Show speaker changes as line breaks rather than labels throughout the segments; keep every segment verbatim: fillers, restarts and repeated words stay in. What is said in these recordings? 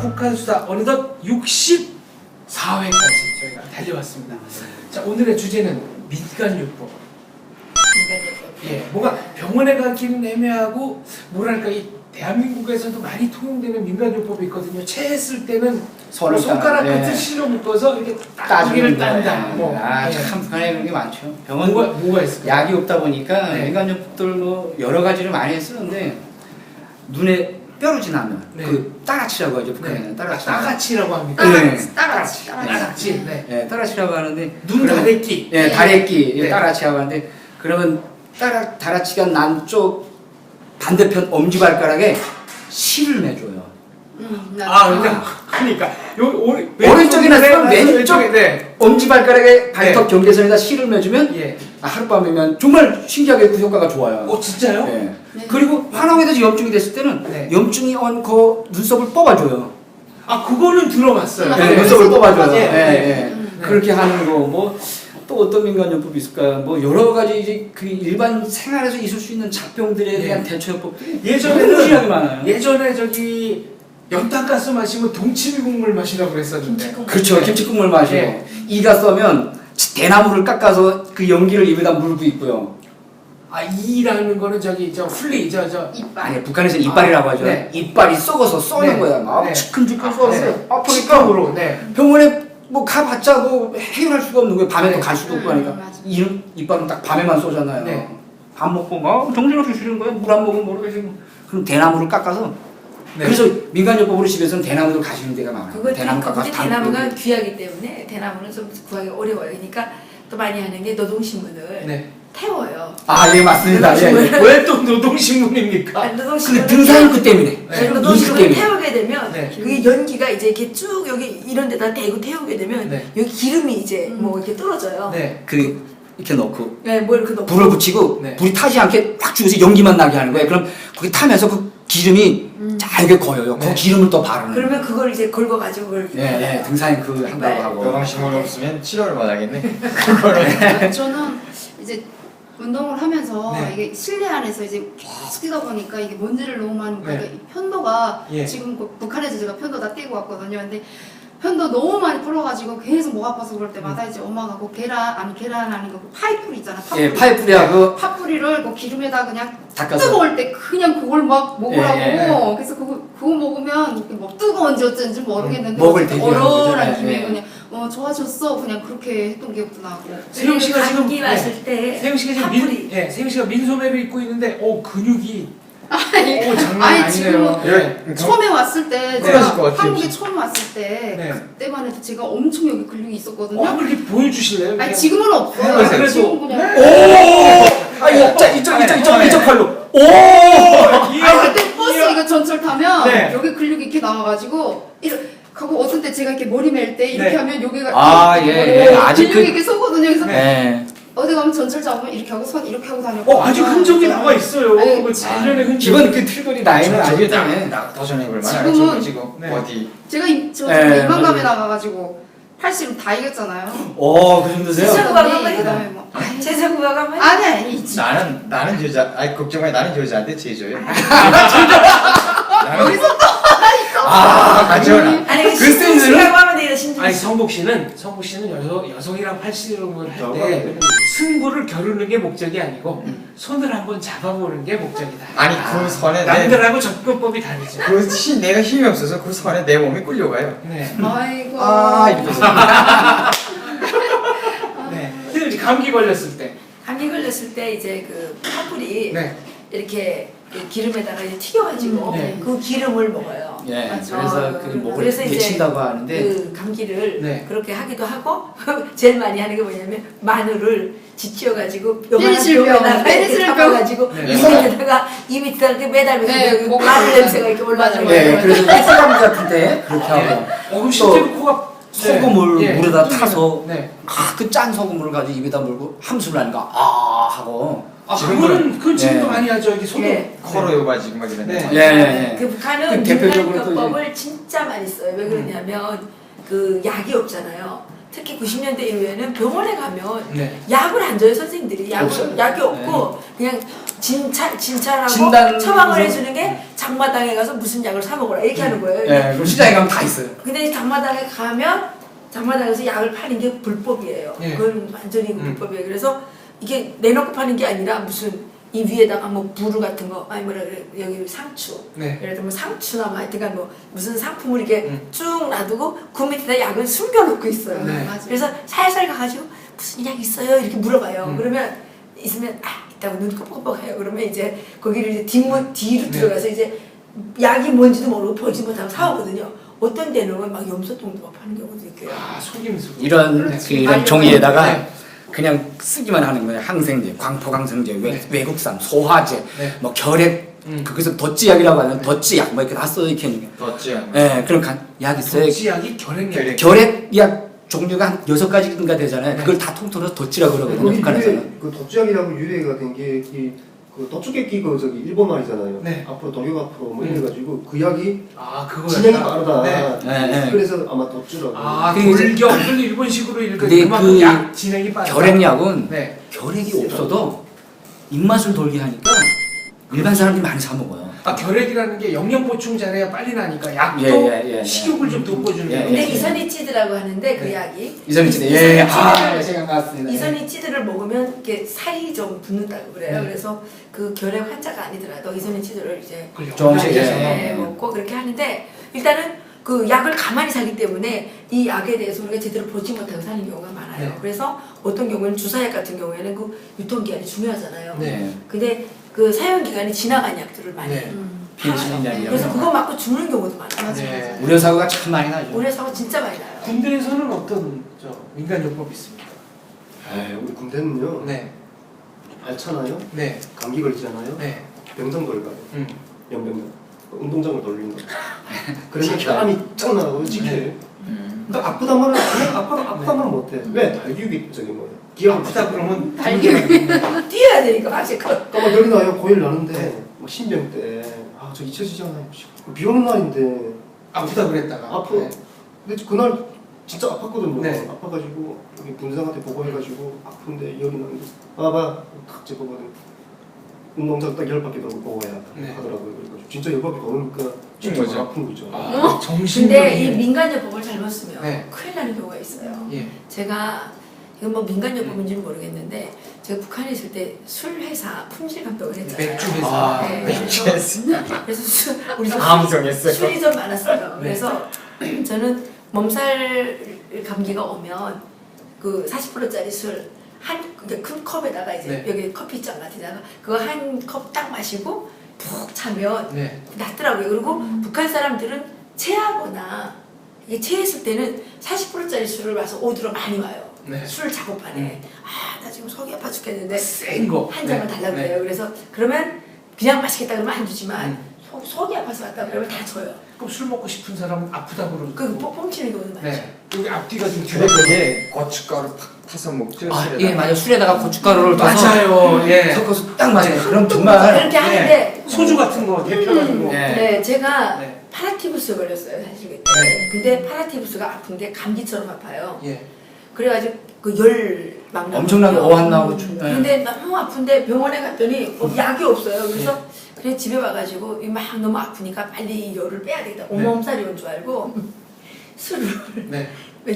북한 수다 어느덧 육십사 회까지 저희가 달려왔습니다. 자, 오늘의 주제는 민간요법.
민간요법.
예, 뭔가 병원에 가기는 애매하고 뭐랄까 이 대한민국에서도 많이 통용되는 민간요법이 있거든요. 체했을 때는
손을
뭐 손가락
따-
끝을
예.
실어 묶어서 이렇게
따주기를
따기를 딴다. 뭐
아,
예.
참 북한에 그런 게 많죠. 병원
뭐가 뭐가 있을까요?
약이 없다 보니까
네.
민간요법들 뭐 여러 가지를 많이 쓰는데 눈에 뼈를 지나면
네.
그 따라치라고 하죠. 북한에는
네.
따라치.
따가치라고 합니까?
네.
따라치, 따라치, 따라치.
따가치. 네.
예, 따라치라고 하는데
눈
그러면-
다래끼.
예,
네.
다래끼 예,
네.
따라치라고 하는데 그러면 따라 다라치가 난 쪽 반대편 엄지발가락에 실을 매줘요.
음, 나-
아, 그러니까 그러니까 요 오른
오른쪽이나 쓰면 왼쪽
네.
엄지발가락에 발톱 경계선에다 실을 매주면
예.
아, 하룻밤이면 정말 신기하게 그 효과가 좋아요.
어 진짜요?
예.
네.
그리고 환원에 대해서 염증이 됐을 때는
네.
염증이 온 그 눈썹을 뽑아줘요.
아 그거는 들어봤어요.
네,
네.
눈썹을 뽑아줘요.
네.
예,
네.
예.
음.
그렇게 하는 거 뭐 또 어떤 민간요법이 있을까요? 뭐 여러 가지 이제 그 일반 생활에서 있을 수 있는 잡병들에
네.
대한 대처요법들이
예전에는
무지하게 많아요.
예전에 저기 연탄가스 마시면 동치미 국물 마시라고 그랬었는데.
김치국.
그렇죠.
네.
김치국물 마시고
네.
이가 써면 대나무를 깎아서 그 연기를 입에다 물고 있고요.
아 이라는 거는 저기 저 훌리 저저
이빨.
아니 북한에서 이빨이라고 하죠.
네.
이빨이 썩어서 써는
네.
거야. 막
네.
치큰치큰
아,
썩어서
네.
아프니까
식감으로. 네.
병원에 뭐 가봤자 뭐 해결할 수가 없는 거예요. 밤에
네.
또 갈 수도 없고
음,
하니까
맞아.
이 이빨은 딱 밤에만 쏘잖아요.
네.
밥 먹고 막 정신없이 쉬는 거예요. 물 안 먹으면 모르겠어요. 그럼 대나무를 깎아서
네.
그래서 민간요법으로 집에서는 대나무를 가시는 데가 많아요.
그거
대나무
그게
깎아서
대나무가
담고.
귀하기 때문에 대나무는 좀 구하기 어려워요. 그러니까 또 많이 하는 게 노동신문을
네.
태워요.
아, 예, 맞습니다. 예, 예.
왜 또 노동신문입니까?
아,
근데
노동신문을
등산구 때문에.
네.
인식
노동신문을
때문에.
태우게 되면
네.
그게 연기가 이제 이렇게 쭉 여기 이런 데다 대고 태우게 되면
네.
여기 기름이 이제
음.
뭐 이렇게 떨어져요.
네.
그 이렇게 넣고
네, 뭐 이렇게 넣고
불을 붙이고
네.
불이 타지 않게 확 죽여서 연기만 나게 하는 거예요. 그럼 거기 타면서 그 기름이
음.
잘게 고여요.
네.
그 기름을 또 바르는.
그러면 그걸 이제 걸고 가지고 그걸
예, 예, 등산에 그 한다고 하고.
노동신문 없으면 치료를 못 하겠네. 그거를.
저는 이제 운동을 하면서
네.
이게 실내 안에서 이제 계속 뛰다 보니까 이게 먼지를 너무 많이
네.
그러니까 이 편도가
예.
지금 그 북한에서 제가 편도 다 떼고 왔거든요. 근데 편도 너무 많이 불어가지고 계속 목 아파서 그럴 때마다 이제 엄마가 그 계란 아니 계란 아닌 거그 파이풀 있잖아. 파풀.
예, 파이프리하고
파뿌리를 그 기름에다 그냥
닦아서.
뜨거울 때 그냥 그걸 막 먹으라고.
예, 예.
그래서 그거 그거 먹으면 이렇게 뭐 뜨거운지 어쩐지 모르겠는데
목을 되게 하는 거죠.
얼얼한
예,
김에
예.
그냥 어 좋아졌어 그냥 그렇게 했던 기억도 나고.
세영 씨가 지금
감기
네.
왔을 때
세영 씨가 지금
파뿌리.
민, 예, 세영 씨가 민소매를 입고 있는데 오 근육이
아니,
오 장난
아니,
아니네요.
지금은
예.
처음에 왔을 때
네.
제가
그러실 것 같아요,
한국에
진짜.
처음 왔을 때
네.
그때만 해도 제가 엄청 여기 근육이 있었거든요.
어, 한번 이렇게 보여주실래요?
아니
그냥?
지금은 없어요.
해보세요. 그래도-
지금 그냥.
오! 아, 이거 자, 이쪽, 이쪽, 이쪽,
네.
이쪽 팔로. 오!
아니 그때 버스 이거 전철 타면
네.
여기 근육이 이렇게 나와가지고 이렇게 하고 어떤 때 제가 이렇게 머리 멜 때 이렇게
네.
하면 여기가
아,
이렇게
예,
머리
예. 아직
근육이
그-
이렇게 서거든요. 그래서
예.
어디 가면 전철 잡으면 이렇게 하고 손 이렇게 하고 다녔고.
어 아주 흔적이 나와 있어요.
아니,
그 예전의 흔적.
기본 그 틀거리 라인은 아니기 때문에.
나 도전해볼
지금은-
만한 지금
네.
어디
제가 이- 저
예,
이만감에
맞아요.
나가가지고 팔씨름 다 이겼잖아요.
오, 그 정도세요?
진짜? 제사구가 한번
그다음에 뭐
제사구가 가면
아니 아니
나는 나는 여자 아니 걱정해 나는 여자한테 제조해. 나는
여기서
아 가져라.
아니
그
신중
센스는?
씨라고 하면 돼요. 신중
아니
씨.
성복 씨는 성복 씨는 여성 여성이랑 팔씨름을 할
저거
때 승부를 겨루는 게 목적이 아니고 손을 한번 잡아보는 게 목적이다.
아니 그 선에 내
남들하고 접근법이 다르죠.
그 힘, 내가 힘이 없어서 그 선에 내 몸이 끌려가요.
네.
아이고.
아, 이렇게 해서.
네. 근데 이제 감기 걸렸을 때.
감기 걸렸을 때 이제 그 파뿌리
네.
이렇게 그 기름에다가 이제 튀겨가지고
음, 네.
그 기름을 먹어요.
예,
맞죠.
그래서 그 목을
그래서 이제
데친다고 하는데.
그 감기를
네.
그렇게 하기도 하고 제일 많이 하는 게 뭐냐면 마늘을 지치어가지고
페니실병, 페니실병.
담아가지고
네.
이 밑에다가 이 밑에다가 이렇게 매달면서
네,
그
목을
마늘
맞아요.
냄새가 이렇게 올라가는
맞아요.
예,
거예요.
그래서 사람 같은데 그렇게 하고.
어, 그럼 실제로 코가
소금을
네.
물에다
네.
타서
네.
아, 그 짠 소금을 가지고 입에다 물고 함수를 하니까 아 하고.
아,
지금은-
그거는 그건 지금도
네.
많이 하죠. 이게 소독.
네.
코로 요바 지금 막 이런데.
네.
예, 예, 예.
그 북한은
그 대표적으로 또
민간요법을 진짜 많이 써요. 왜 그러냐면 그 약이 없잖아요. 특히 구십 년대 이후에는 병원에 가면
네.
약을 안 줘요 선생님들이. 약을,
없어요.
약이 없고 그냥 진찰 진찰하고
진단-
처방을 해주는 게 장마당에 가서 무슨 약을 사 먹어라 이렇게 하는 거예요.
예, 그럼 시장에 가면 다 있어요.
근데 장마당에 가면 장마당에서 약을 파는 게 불법이에요.
네.
그건 완전히
음.
불법이에요. 그래서 이게 내놓고 파는 게 아니라 무슨 이 위에다가 뭐 부루 같은 거 아니 뭐라 그래 여기 상추
네.
예를 들면 상추나 뭐 하여튼간 뭐 무슨 상품을 이렇게
음.
쭉 놔두고 그 밑에다 약을 숨겨놓고 있어요.
네.
맞아요.
그래서 살살 가가지고 무슨 약 있어요 이렇게 물어봐요.
음.
그러면 있으면 아 있다고 눈 깜빡깜빡해요. 그러면 이제 거기를 이제 뒷문 뒤로
네.
들어가서 이제 약이 뭔지도 모르고 보지 못하고 사오거든요. 어떤 데는 막 염소똥도 막 파는 경우도 있고요.
아 속임수.
이런
네.
그 이런
알려요.
종이에다가
네.
그냥 쓰기만 하는 거예요. 항생제, 광포강성제, 외,
네.
외국산, 소화제,
네.
뭐 결핵,
음.
거기서 덧지약이라고 하는 덧지약 뭐 이렇게 다 써 이렇게 있는 거.
덧지 않
예, 그런 간, 약 있어요.
덕지약이 결핵약.
결핵.
결핵약 종류가 한 여섯 가지인가 되잖아요. 그걸 다 통틀어서 덧지라고 그러거든요.
거기
북한에서는.
유래, 그 덧지약이라고 유래가 된 게 그 도축객기 그 저기 일본 말이잖아요.
네.
앞으로 돌격 앞으로 뭐
음.
이래가지고 그 약이
아 그거
진행이 빠르다.
네.
네, 네.
그래서 아마 덧주라고.
아
그 이제-
돌격을 일본식으로 읽으니까
근데
그만큼
그
약 진행이 빠르다.
결핵약은
네.
결핵이 없어도 입맛을 돌게 하니까 일반 사람들이 많이 사 먹어요.
아 결핵이라는 게 영양 보충 잘해야 빨리 나니까 약도
예, 예, 예,
식욕을 좀 돋궈주는
예,
거.
근데
예.
이선희치드라고 하는데 그
네.
약이
이선희치드,
이-
예,
이선희치드를-
아, 생각났습니다.
이선희치드를 먹으면 이렇게 살이 좀 붙는다고 그래요.
네.
그래서 그 결핵 환자가 아니더라도 이선희치드를 이제
조금씩
네,
해서.
네, 먹고 그렇게 하는데 일단은 그 약을 가만히 사기 때문에 이 약에 대해서 우리가 제대로 보지 못하고 사는 경우가 많아요.
네.
그래서 어떤 경우는 주사약 같은 경우에는 그 유통기한이 중요하잖아요.
네.
근데 그 사용기간이 지나간 약들을 많이
네.
음.
펜실린약이라고.
그래서 그거 맞고 죽는 경우도 많아요.
맞아,
네.
맞아.
우려 사고가 참 많이 나죠.
우려 사고 진짜 많이 나요.
군대에서는 어떤 저 민간요법이 있습니까?
에이, 우리 군대는요.
네.
알잖아요.
네.
감기 걸리잖아요.
네.
병상 걸까요?
음.
연병장. 운동장을 돌리는 거. 그러니까 땀이 쫙 나고 지켜요.
음.
또 아프다 말은 그냥 아파도 아프다 말은 못해. 왜? 달기육이 저기 뭐야. 기가
아프다 그러면
뛰어야 되니까 갑자기 그
까막 열이 나요. 고일 나는데 막 신병 때. 아, 저 잊혀지잖아요. 비 오는 날인데.
아프다 그랬다가
아프.
네.
근데 그날 진짜 아팠거든요.
네.
아파가지고 여기 분상한테 보고해가지고 아픈데 열이 나는데 봐봐 탁 집어거든. 운동장 딱 열 바퀴 돌고 보고해야
네.
하더라고요. 그래가지고 진짜 열 바퀴 도니까 진짜
거죠.
아픈 거죠.
아,
근데 이
정신적인
민간요법을 잘못 쓰면
네.
큰일 나는 경우가 있어요.
예.
제가 이건 뭐 민간요법인지는 모르겠는데 제가 북한에 있을 때 술 회사 품질 감독을 했잖아요.
맥주 회사.
아,
네.
맥주.
그래서 술, 우리 집
감성했어요.
술이 좀 많았어요.
네.
그래서 저는 몸살 감기가 오면 그 사십 퍼센트짜리 술 한 큰 컵에다가 이제
네.
여기 커피잔 같은데다가 그거 한 컵 딱 마시고 푹 자면
네.
낫더라고요. 그리고 북한 사람들은 체하거나 이게 체했을 때는 사십 퍼센트짜리 술을 와서 오드로 많이 와요.
네.
술 작업반에 아 나 지금 속이 아파 죽겠는데
센 거.
한 잔만
네.
달라고
네.
그래요. 그래서 그러면 그냥 마시겠다 그러면 안 주지만
음.
속, 속이 아파서 왔다 그러면 다 줘요.
그럼 술 먹고 싶은 사람은 아프다 그러고.
그 뽕치는 경우도 많죠.
네. 여기 앞뒤가 좀
근데
뒤로.
그게 고춧가루 팍 타서 먹죠.
아,
술에다가.
예, 맞아요. 술에다가 고춧가루를 떠서
맞아요. 예.
섞어서 딱 맞아요. 그럼 정말
그렇게 하는데
소주 같은 거 대표가지고.
예.
네, 제가
네.
파라티부스 걸렸어요 사실 그때.
네.
근데 파라티부스가 아픈 게 감기처럼 아파요.
예.
그래가지고 그 열 막 나거든요.
엄청나게 어한 나오고 춤- 예.
근데 너무 아픈데 병원에 갔더니 어, 약이 없어요. 그래서 그래 집에 와가지고 이 막 너무 아프니까 빨리 이 열을 빼야 되겠다.
네.
온몸살이 온 줄 알고 술을
네.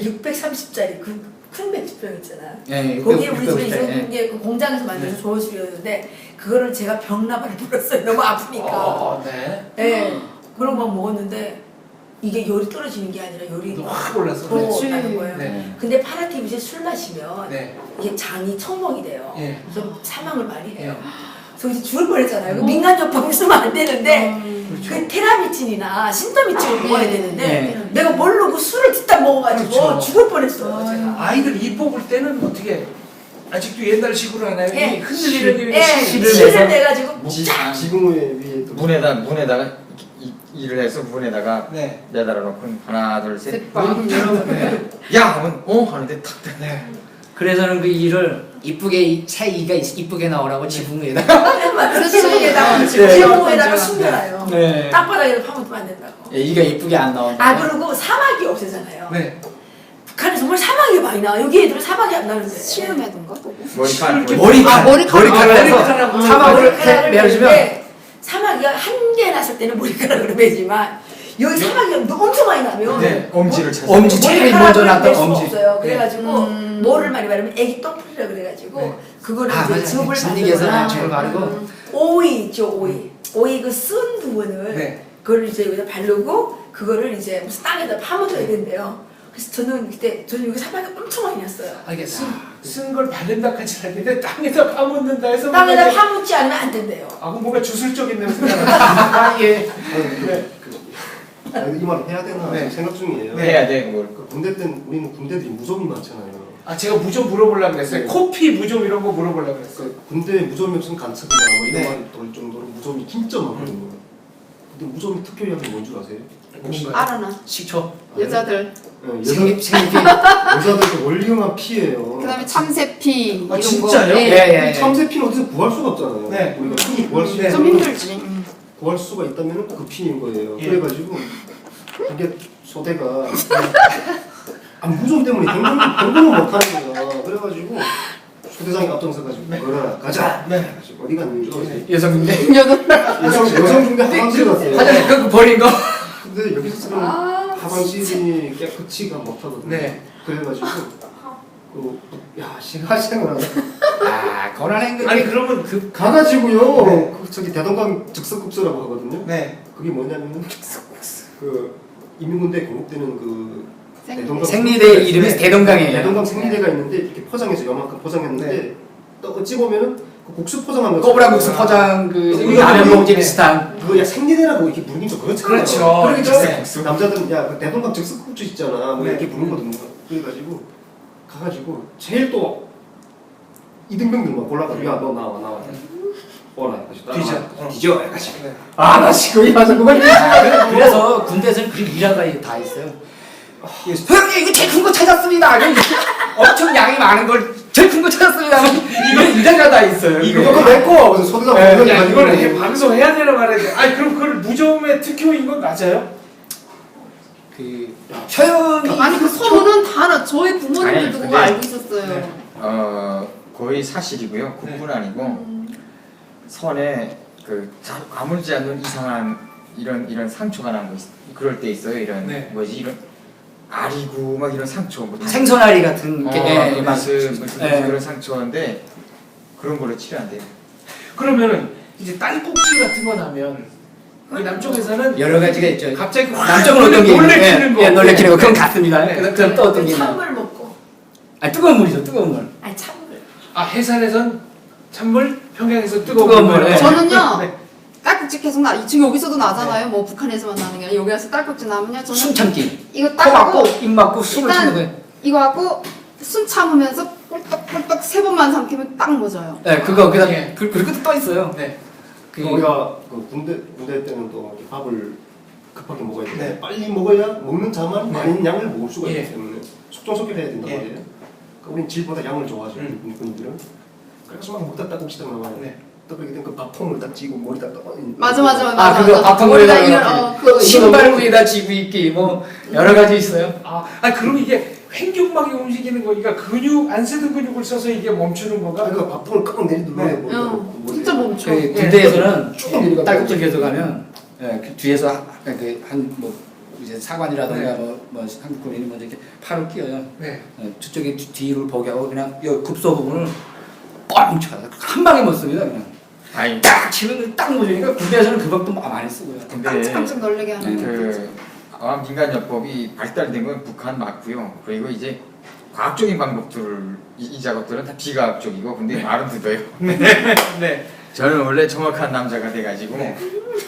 육백삼십짜리 그 큰 맥주병 있잖아.
예,
거기에
육백,
우리 집에
육백,
있는 게 그 공장에서 만들어서 좋은 술이었는데 그거를 제가 병나발을 불었어요. 너무 아프니까.
어, 네.
네. 그런 거 막 먹었는데 이게 열이 떨어지는 게 아니라 열이
확 올랐어.
더
그렇지.
나는 거예요.
네.
근데 파라티브제 술 마시면
네.
이게 장이 청멍이 돼요.
예.
그래서 사망을 많이 해요.
예.
그래서 이제 죽을 뻔했잖아요. 그 민간요법 쓰면 안 되는데
음.
그렇죠.
그 테라미친이나 신더미친을 먹어야
네.
되는데
네.
내가 모르고 술을 듣다 먹어가지고
그렇죠.
죽을 뻔했어요. 제가.
아이들 입 뽑을 때는 어떻게 아직도 옛날식으로 하나요?
예.
이 흔들리는 일이
예,
실을
실을
내서
내가지고
지-
쫙
지붕 위에 또
문에다 문에다가 이, 일을 해서 문에다가
네.
매달아 놓고 하나 둘셋
새빵.
네.
야 하면 어 하는데 탁
네.
그래서는 그 이를 이쁘게 이- 새 이가 있- 이쁘게 나오라고 지붕 위에다가
그렇지.
지붕에다가
네.
지붕에다가 숨겨놔요.
네.
땅바닥에도 파묻으면 안 된다고.
예, 이가 이쁘게 안 나온다.
아 그리고 사막이 없애잖아요.
네.
북한에 정말 사막이 많이 나와. 여기 애들은 사막이 안 나는데.
시름해둔가?
머리카락
이렇게
머리칼,
아, 머리칼.
머리칼을
아,
해서
머리칼하고
사막을
머리카락을
이렇게 매주면
매는데 사막이 한 개 났을 때는 머리카락으로 매지만 여기 사막이 엄청 많이 나면
네, 엄지를 찾아.
엄지 제일 먼저 났던 엄지.
없어요. 그래가지고
음.
뭐를 많이 바르면 애기 똥풀이라 그래가지고
네.
그거를
아
이제
맞아요.
즙을
진리에서
바르거나
저걸 바르고
음.
오이 있죠 오이 오이 그 쓴 부분을
네.
그걸 이제 여기다 바르고 그거를 이제 무슨 땅에다 파묻어야 된대요. 그래서 저는 그때 저는 여기 사막이 엄청 많이 났어요.
아, 이게 쓴 걸 바른다 하지 않는데 땅에다 파묻는다 해서
땅에다
뭔가
파묻지 않으면 안 된대요.
아, 그럼 뭔가 주술적인 냄새가 나. 아, 예.
아니, 그,
네.
그, 아니, 이 말을 해야 되나
네.
지금 생각 중이에요.
네.
해야 돼 그걸.
그 군대 때는 우리는 군대들이 무좀이 많잖아요.
아, 제가 무좀 물어보려고 그랬어요.
네.
코피 무좀 이런 거 물어보려고 그랬어요.
그 군대 무좀이 없으면 간첩이다 뭐 이런
네.
말이 돌 정도로 무좀이 진짜 많거든요. 근데 무좀이 특효약이 뭔 줄 아세요?
뭔가요?
알아나.
식초
여자들.
네, 여자,
생리 생리피
여자들 원리형한 피예요.
그다음에 참새피
아,
이런
진짜요?
거. 예.
예, 예.
참새피는 어디서 구할 수가 없잖아요.
네.
우리가 흔히 구할 수
네.
좀
있는
힘들지. 음.
구할 수가 있다면 그 피인 거예요.
예.
그래가지고 이게 소대가 아, 무좀 때문에 경고를 경고를 못 하는 거야. 그래가지고 소대장이 앞장서가지고
네.
걸어라 가자.
네.
그래가지고 어디 갔는지 모르겠어요.
여성 중대
여자.
여성 여성 중대 화장실 갔어요.
화장실 그 버린 거.
근데 여기서 쓰는
아,
화장실이 깨끗이가 못하거든요.
네.
그래가지고 그야 신화생활
아 거란 행동.
아니, 그러면 그,
가가지고요.
네.
그 저기 대동강 즉석국수라고 하거든요.
네.
그게 뭐냐면 그 인민군대 공급되는 그 대동강
생리대 이름이
네.
대동강이에요.
대동강 생리대가 있는데 이렇게 포장해서 요만큼 포장했는데
네.
또 어찌 보면은 그 국수 포장한 거
꼬부랑 국수 포장 그
이거
라면
이거
봉지
네.
비슷한.
그거 야 생리대라고 이렇게 부르긴 좀 그렇잖아요.
그렇죠.
그러니까
네.
남자들은 야그 대동강 즉석국수 있잖아. 뭐
네.
이렇게 부르거든요. 그래가지고 가가지고 제일 또 이등병들만 골라가지고 야 너 나와 나와. 오라 해가지고
뒤져.
따라와.
어.
뒤져 해가지고
네.
아나 지금 이 맞아 그걸
그래서 군대에서는 그 일화가 다 있어요. 형님 이거 제일 큰 거 찾았습니다. 이렇게 엄청 양이 많은 걸 제일 큰 거 찾았습니다. 이거 일화가 다 있어요.
이거
그거 냈고 무슨 소대장
네,
공격이
야,
가지고
이걸 해, 방송해야 되나 말해야 돼. 아니, 그럼 그걸 무좀의 특효인 건 맞아요?
그 표현이
아니 그 소문은 다 알아. 저희
아니,
부모님들도 그거
근데-
알고 있었어요.
네.
어 거의 사실이고요. 그뿐 아니고
음.
선에 그 자- 아물지 않는 이상한 이런 이런 상처가 난 거 있. 그럴 때 있어요. 이런
네.
뭐지 이런 아리고 막 이런 상처 뭐
생선알이 같은
어,
게 예, 막
무슨 무슨
예.
그런 상처인데 그런 걸로 치료 안 돼요.
그러면은 이제 딸꾹질 같은 거 나면 그 남쪽에서는
여러 가지가 있죠.
갑자기 확
남쪽은 어떤 게
놀래키는 거.
예, 놀래키는 거 그건 같습니다.
네.
그다음 그다음 또 어떤 게 있나요?
찬물 먹고
아 뜨거운 물이죠, 뜨거운 물.
아니 찬물
아, 해산에선 찬물, 평양에서 뜨거운
뜨거운
물.
물, 네.
저는요.
네.
딸꾹질 계속 나. 지금 여기서도 나잖아요. 뭐 북한에서만 나는 게 아니라 여기 와서 딸꾹질 나면요. 저는
숨 참기.
이거
코
딱
막고
하고
입 막고 숨을
일단
쉬는 거예요.
이거 하고 숨 참으면서 꿀떡꿀떡 세 번만 삼키면 딱 멎어요.
네, 그거 그다음
예.
그 그리고 또 있어요.
네.
그
우리가 그 군대 군대 때는 또 이렇게 밥을 급하게 먹어야 되는데
네.
빨리 먹어야 먹는 자만
네.
많은 양을 먹을 수가
예.
있기 때문에 속전속결 해야 된단
예.
말이에요. 그러니까 우리는 질보다 양을 좋아하죠.
음.
군인들은. 그래서 막 먹다 따국시딱 나와요.
네.
또 그렇게 되면 그 밥통을 딱 쥐고 머리 딱 떠.
맞아 맞아 맞아.
아, 그거
맞아.
밥통
머리가
위에다가
이런, 어, 그거
신발 위에다 지고 있기 뭐 여러 가지 있어요.
아, 아 그럼 이게 횡격막이 움직이는 거니까 근육 안 쓰던 근육을 써서 이게 멈추는 건가?
그러니까 밥통을 꽉 내리 눌러야
응.
머리가.
어, 진짜 멈춰.
그 군대에서는
쭉 내려가고.
딸꾹질 계속 하면 예, 그 뒤에서 그한뭐 이제 사관이라든가
네.
뭐, 뭐 한국 군인이 먼저 이렇게 팔을 끼워요.
네.
예, 저쪽에 뒤- 뒤를 보게 하고 그냥 여 급소 부분을 뻥 쳐요. 한 방에 못 씁니다. 그냥
아니
딱 치면 딱 못으니까 군대에서는 그 방법 많이 쓰고요.
근데
깜짝깜짝 놀래게 하는 거.
그 아마 민간요법이 발달된 건 북한 맞고요. 그리고 이제 과학적인 방법들을 이, 이 작업들은 다 비과학적이고 근데 말은 듣어요.
네.
저는 원래 정확한 남자가 돼가지고
네.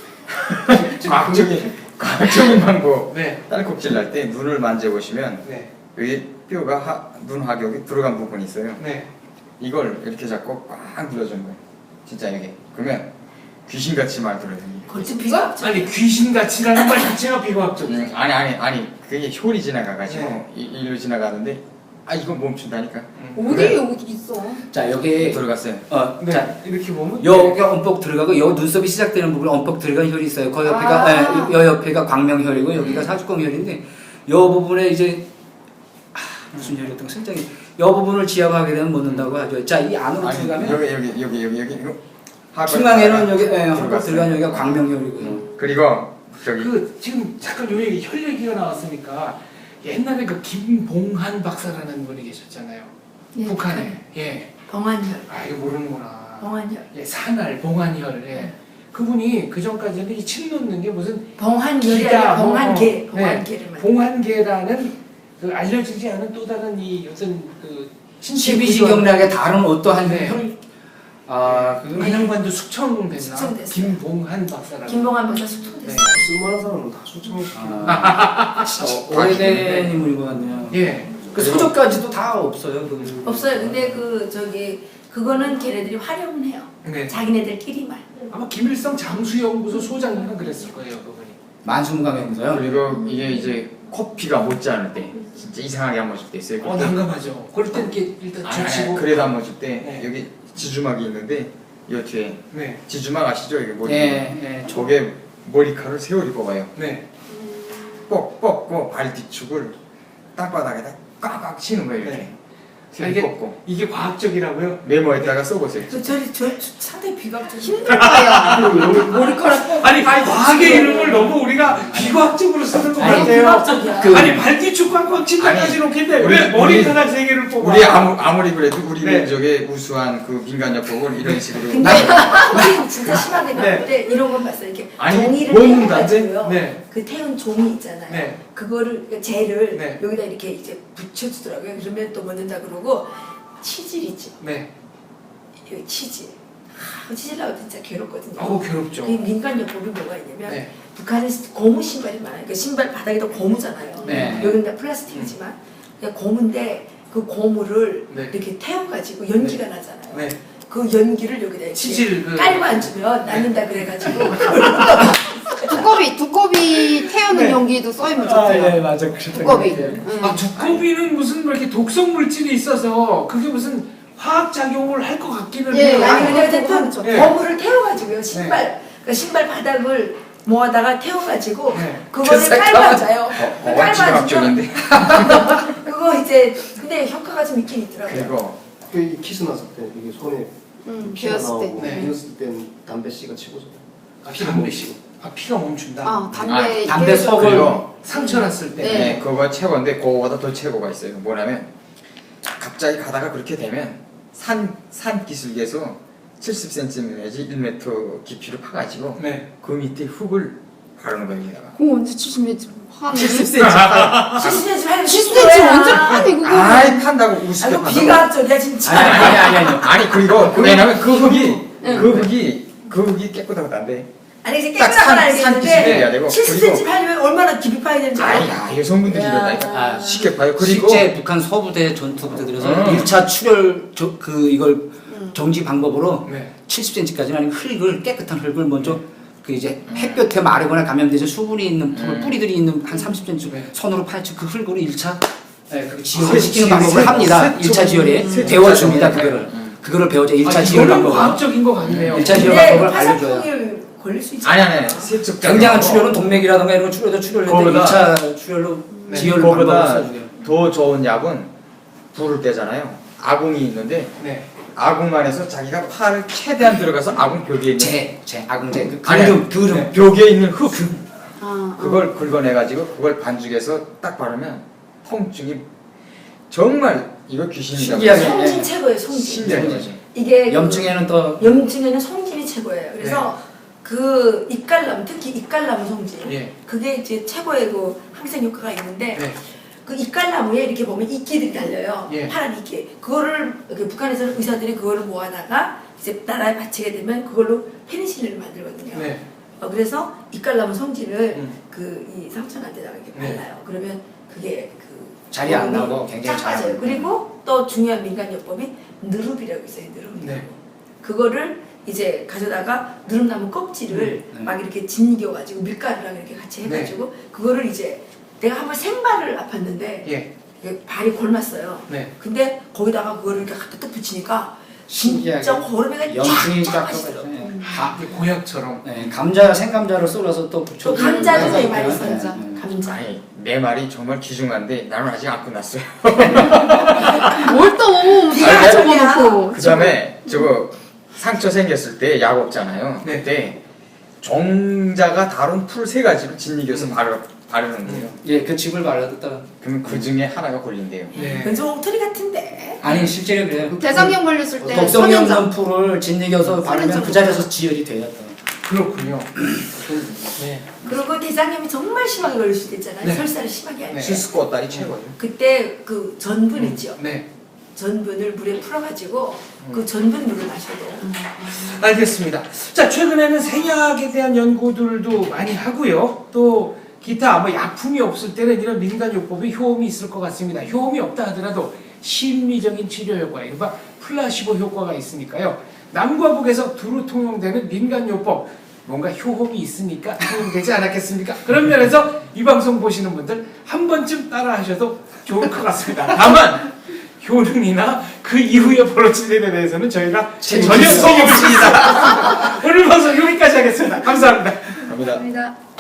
과학적인 과학적인 방법
네.
딸꾹질 날 때 눈을 만져보시면
네.
여기 뼈가 하, 눈 하격이 들어간 부분이 있어요.
네.
이걸 이렇게 잡고 꽉 눌러주는 거예요. 진짜 이게 그러면 귀신같이 말 들어요.
거친 비가
아니 귀신같이라는 말 자체가 비과학적이에요.
음, 아니 아니 아니 그게 혈이 지나가가지고
네.
이, 일로 지나가는데 아 이건 멈춘다니까.
어디 여기 있어?
자 여기
들어갔어요.
어,
네.
자
이렇게 보면
여기 엄뻑 들어가고 여 눈썹이 시작되는 부분에 엄뻑 들어간 혈이 있어요. 그 옆에가
아.
예, 여 옆에가 광명혈이고 여기가 사주광혈인데 여 부분에 이제 아, 순혈이 어떤 실장이 이 부분을 지압하게 되면 못 넣는다고 하죠. 자, 이 안으로
아니
들어가면
여기 여기 여기 여기 여기 이거 하관-
중앙에는 여기 예, 한국
들어갔어요.
들어간 여기가 광명혈이고요.
그리고 저기
그 지금 잠깐 요 얘기 혈 얘기가 나왔으니까 옛날에 그 김봉한 박사라는 분이 계셨잖아요.
예,
북한에. 예.
봉환혈,
아 이거 모르는구나.
봉환혈.
예, 산알 봉한혈. 예. 그분이 그 전까지는 이 침 놓는 게 무슨
봉환혈이
기가
아니라
뭐,
봉환계,
어,
봉환계를
네,
말해요.
봉한계라는 그 알려지지 않은 또 다른 이 어떤 그 신체
십이지경락의 다른 어떠한
네.
혈, 아, 그
안양반도 숙청됐나?
숙청됐어요.
김봉한 박사라고.
김봉환 박사 숙청됐어요.
쓸만한 사람은 다 수청시키는
아, 어, 오래된 인물인 것 같네요.
예.
그 소적까지도 다 없어요. 그.
없어요. 근데 그 저기 그거는 걔네들이 활용은 해요.
네.
자기네들끼리만.
아마 김일성 장수연구소 소장님은 그랬을 거예요, 그분이.
만수무강이면서요.
그리고 이게 이제 코피가 못지않을 때 진짜 이상하게 한 번 줄 때 있어요.
어, 난감하죠. 그럴 때 이렇게 일단
아니, 아니,
젖히고.
그래도 한 번 줄 때
네.
여기 지주막이 있는데 이 뒤에
네.
지주막 아시죠? 이게 머리.
예, 예.
저게 머리카락을 세월이 뽑아요.
네.
뻑 뻑고 발 뒤축을 땅바닥에다 꽉꽉 치는 거예요. 이렇게.
네.
세월이
이게-
뽑고
이게 과학적이라고요?
메모에다가 써보세요.
그 저리 저 상당히 비각적 힘들
머리카락. 아니, 과학의 이름을 너무 우리가 비과학적으로 쓰는 것
아니
같아요.
비각적이야.
그-
아니, 발뒤축 꽝꽝 친다까지
아니,
놓겠는데
우리-
왜 머리카락 세 개를 뽑아?
우리 아무, 아무리 그래도 우리
네.
민족의 우수한 그 민간요법을 이런 식으로
근데 우리 진짜 심하게
네.
봤는데 이런 건 봤어요. 이렇게
아니,
종이를
뭔
태워가지고요.
네.
그 태운 종이 있잖아요.
네.
그거를 그러니까 젤을
네.
여기다 이렇게 이제 붙여주더라고요. 그러면 또 먹는다 그러고 치질 있지.
네.
여기 치질. 아, 치질 나고 진짜 괴롭거든요.
어우, 괴롭죠.
그 민간요법이 뭐가 있냐면
네.
북한은 고무 신발이 많아요. 그 신발 바닥에다 고무잖아요.
네.
여기는 다 플라스틱이지만 그냥 고무인데 그 고무를
네.
이렇게 태워가지고 연기가 나잖아요.
네.
그 연기를 여기다 이렇게
치질 그-
깔고 앉으면 낫는다 그래가지고
두꺼비 두꺼비 태우는
네.
용기도 써이면
아,
좋대요.
예, 맞아. 그랬던
두꺼비.
것 같아요.
응.
아, 두꺼비는 무슨 뭐 이렇게 독성 물질이 있어서 그게 무슨 화학 작용을 할 것 같기는
예,
해요.
아니 근데
그거 하면
어쨌든
좋대요.
고무를 태워가지고요 신발 그러니까 신발 바닥을 모아다가 태워가지고
네.
그거를
그
깔고 앉아요.
어,
깔고
완치가
앉으면
학적인데.
그거 이제 근데 효과가 좀 있긴 있더라고요.
그리고
그 키스 났을 때 이게 손에
응,
피가
비었을 때.
나오고
네.
비었을 땐 담배 씨가 치고서
아, 피가 멈추고. 아, 피가 멈춘다.
아 담배
아,
이렇게
담배
해서-
썩을-
그리고
상처 났을 때.
네.
네, 그거가 최고인데 그거보다 더 최고가 있어요. 뭐냐면 갑자기 가다가 그렇게 되면 산, 산 기슭에서 칠십 센티미터 내지 일 미터 깊이로 파가지고
네.
그 밑에 흙을 바르는 거예요. 여기다가.
그거 언제 칠십 하네.
칠십 센티미터.
칠십 센티미터 하면
칠십 센티미터 완전 파네 그거.
아이 판다고 우습게
아이고
판다고.
비과학적이야 진짜.
아니, 아니, 아니, 아니.
아니 그리고 왜냐면 그 흙이
응.
그 흙이 그 흙이 깨끗하고 난데.
아니 이제
딱
깨끗한 건
산- 산 기준이 돼야
알겠는데
되고,
칠십 센티미터 하려면 얼마나 깊이 파야 되는지 알아요?
아야 여성분들이
야.
이러다니까
아,
쉽게 봐요. 그리고
실제 북한 서부대 전투부대 들어서
음.
일 차 출혈 저, 그 이걸 정지 방법으로
네.
칠십 센티미터까지는 아니고 흙을 깨끗한 흙을 먼저 그 이제 햇볕에 마르거나 감염돼서 수분이 있는 풀,
음.
뿌리들이 있는 한 삼십 센티미터
네.
손으로 파헤쳐 그 흙으로 일 차 네, 그
아,
지혈을 시키는
세-
방법을
세-
합니다.
세-
일 차 지혈에
세-
배워줍니다.
세-
그거를
음.
그거를 배워줘 일 차
아,
지혈
이거는
방법을
과학적인 것 같네요.
일 차 지혈
근데
방법을 알려줘요.
화상풍이 걸릴 수 있지.
아니 아니 아니 세척
굉장한 출혈은 동맥이라든가 이런 거 출혈도 출혈을 했는데
거기다-
일 차 출혈로
네.
지혈 방법을
그거보다
써줘요.
더 좋은 약은 불을 떼잖아요. 아궁이 있는데
네.
아궁 안에서 자기가 팔을 최대한 들어가서 아궁 벽에 있는
재, 재, 아궁재, 그
아니,
그름, 그름.
네, 벽에 있는 흙
아,
그걸 긁어내가지고 그걸 반죽해서 딱 바르면 통증이 정말 이거 귀신이라고
신기하게.
해요.
송진 최고예요 송진.
신기한 거지.
이게
염증에는 또
염증에는 송진이 최고예요. 그래서 그 입갈나무 특히 입갈나무 송진
예.
그게 이제 최고의 그 항생 효과가 있는데
네.
그 입갈나무에 이렇게 보면 이끼들이 달려요.
예.
파란 이끼. 그거를 그 북한에서는 의사들이 그거를 모아다가 이제 나라에 바치게 되면 그걸로 페니실린을 만들거든요.
네.
어, 그래서 입갈나무 송진을
음.
그 이 상처한테다가 이렇게
네.
발라요. 그러면 그게 그
자리 안
거름이
나고 굉장히
쫙
잘
빠져요.
나고.
그리고 또 중요한 민간요법이 누릅이라고 있어요. 누릅.
네.
그거를 이제 가져다가 누릅나무 껍질을
음.
막 이렇게 짓겨가지고 밀가루랑 이렇게 같이 해가지고 그거를 이제 내가 한번 생발을 아팠는데
예.
이게 발이 골랐어요.
네.
근데 거기다가 그거를 이렇게 갖다 딱 붙이니까
신기하게
진짜 고름이가
염증이
쫙
쫙
빠지더라고요.
펴가지고
가, 고약처럼.
네, 감자 생감자를 썰어서 또 붙여.
또 감자도
네,
되게 많이
네,
써요.
네.
감자.
아니 내 말이 정말 귀중한데 나는 아직 안 끝났어요.
뭘 또
네가
다
저기야.
적어놓고.
그 다음에 저거 상처 생겼을 때 약 없잖아요.
네.
그때 종자가 다룬 풀 세 가지를 짓이겨서
음.
바르, 바르는 거예요.
예, 그 즙을 발라뒀다가.
그러면 그 중에 하나가 걸린대요.
네.
왠지 엉터리 같은데.
아니 실제로 그래요.
대장경 걸렸을 때
독성이 없는
선인장.
풀을 짓이겨서 바르면
선인장
그 자리에서 지혈이 돼요. 또.
그렇군요. 네.
그리고 대장염이 정말 심하게 걸릴 수도 있잖아요.
네.
설사를 심하게 할 때.
네.
실수꽃다리 최고죠.
그때 그 전분 있죠.
네.
전분을 물에 풀어가지고
음.
그 전분 물을 마셔도
알겠습니다. 자, 최근에는 생약에 대한 연구들도 많이 하고요. 또 기타 뭐 약품이 없을 때는 이런 민간요법이 효험이 있을 것 같습니다. 효험이 없다 하더라도 심리적인 치료 효과, 이른바 플라시보 효과가 있으니까요. 남과 북에서 두루 통용되는 민간요법, 뭔가 효험이 있으니까 통용되지 않았겠습니까? 그런 면에서 이 방송 보시는 분들 한 번쯤 따라 하셔도 좋을 것 같습니다. 다만 효능이나 그 이후에 벌어진 일에 대해서는 저희가 전혀 소용없습니다. 오늘 방송 여기까지 하겠습니다. 감사합니다.
갑니다.
감사합니다.